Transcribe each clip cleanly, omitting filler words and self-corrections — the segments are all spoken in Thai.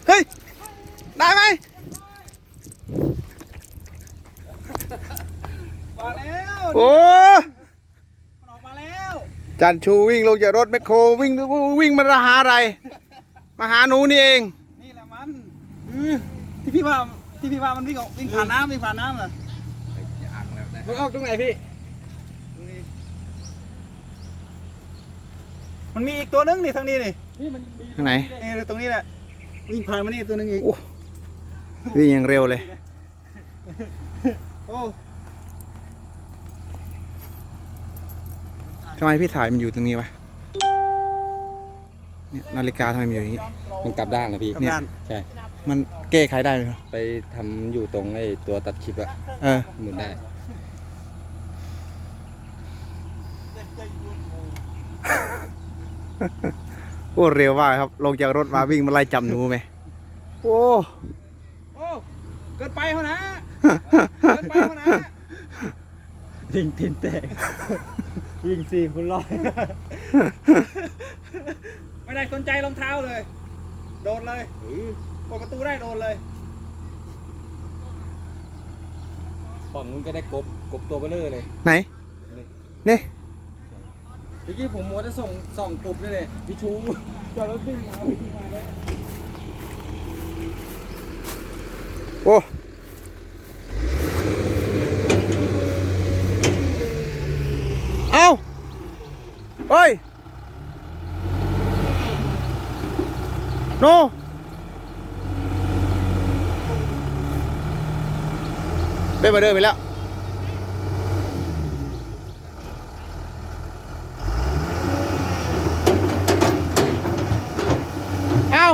เฮ้ยได้ไหมมาแล้วโอ้มันออกมาแล้วจันชูวิ่งลงจากรถแมคโครวิ่งมาหาอะไรมาหาหนูนี่เองนี่แหละมันที่พี่ว่ามันวิ่งผ่านน้ำเหรอมันออกตรงไหนพี่มันมีอีกตัวนึงนี่ทางนี้นี่มันทางไหนนี่ตรงนี้แหละวิ่งผ่านมานี่ตัวนึงอีกโอ้วิ่งอย่างเร็วเลยโอ้ทำไมพี่ถ่ายมันอยู่ตรงนี้วะเนี่ยนาฬิกาทำไมมันอยู่อย่างนี้มันกลับด้านนะพี่เนี่ยใช่มันแก้ไขได้ไหมครับไปทำอยู่ตรงไอ้ตัวตัดคลิปอะเออหมุนได้โอ้เร็วมากครับลงจากรถมาวิ่งมาไล่จับหนูไหมโอ้โอ้เกินไปเขานะเกินไปเขานะวิ่งตีนแตกวิ่งสี่คุณร้อยไม่ได้สนใจรองเท้าเลยโดนเลยเปิดประตูได้โดนเลยฝั่งนู้นก็ได้กบตัวเบลอเลยไหนนี่เมื่อกี้ผมมัวจะส่องกบเลยพี่ชูจอดรถวิ่งมาเลยโอ้เอาเฮ้ยโนได้มาเดินไปแล้วเอา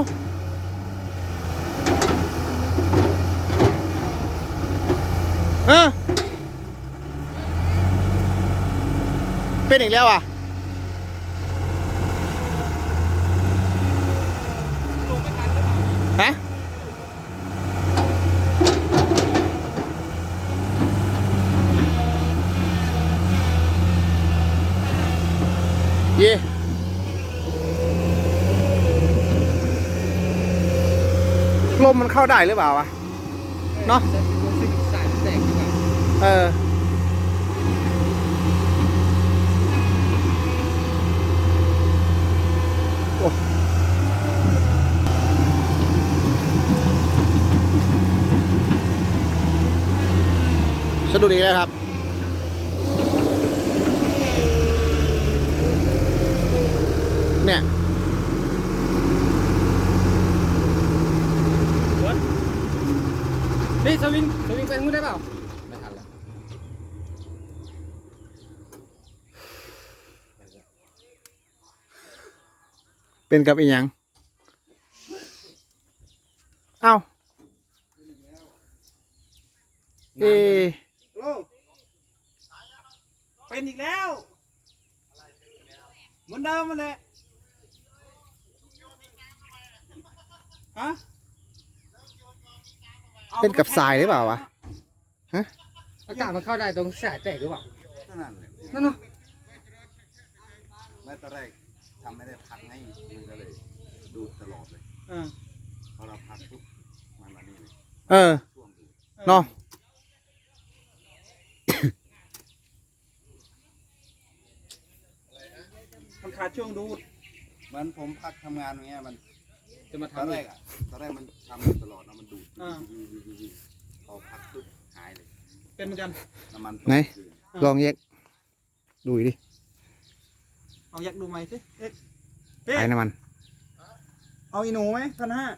เป็นอีกแล้วอ่ะฮะเย่ลมมันเข้าได้หรือเปล่าวะเนาะสายแตกดีกว่าเออโอ้สะดุดอีกแล้วครับ เนี่ยพี่สวิงไปนู้นได้เปล่าไม่ทันแล้วเป็นกับอีหยัง เอ้าเอโอ้เป็นอีกแล้วเหมือนเดิมมันแหละฮะเป็นกับทรายหรือเปล่าวะ ฮะอากาศมันเข้าได้ตรงสายแตกหรือเปล่านั่นแหละนั่นเนาะไม่ตอนแรกทำไม่ได้พักให้มันก็เลยดูตลอดเลยอ่าพอเราพักปุ๊บมันมานี่เลยเออช่วงดูเนาะมันขาดช่วงดูดเหมันผมพักทำงานอย่างเงี้ยมันจะมาตอนทำแรอีกกตอนแรกมันทำอยู่ตลอดนะมันดูดอ่าพอพักปุ๊บหายเลยเป็นเหมือนกันน้ำมันไหนคืนลองแยกดูดิเอาอยากดูไหมสิเอ๊ะไอ้น้ำมันเอาอีหนูไหม1,500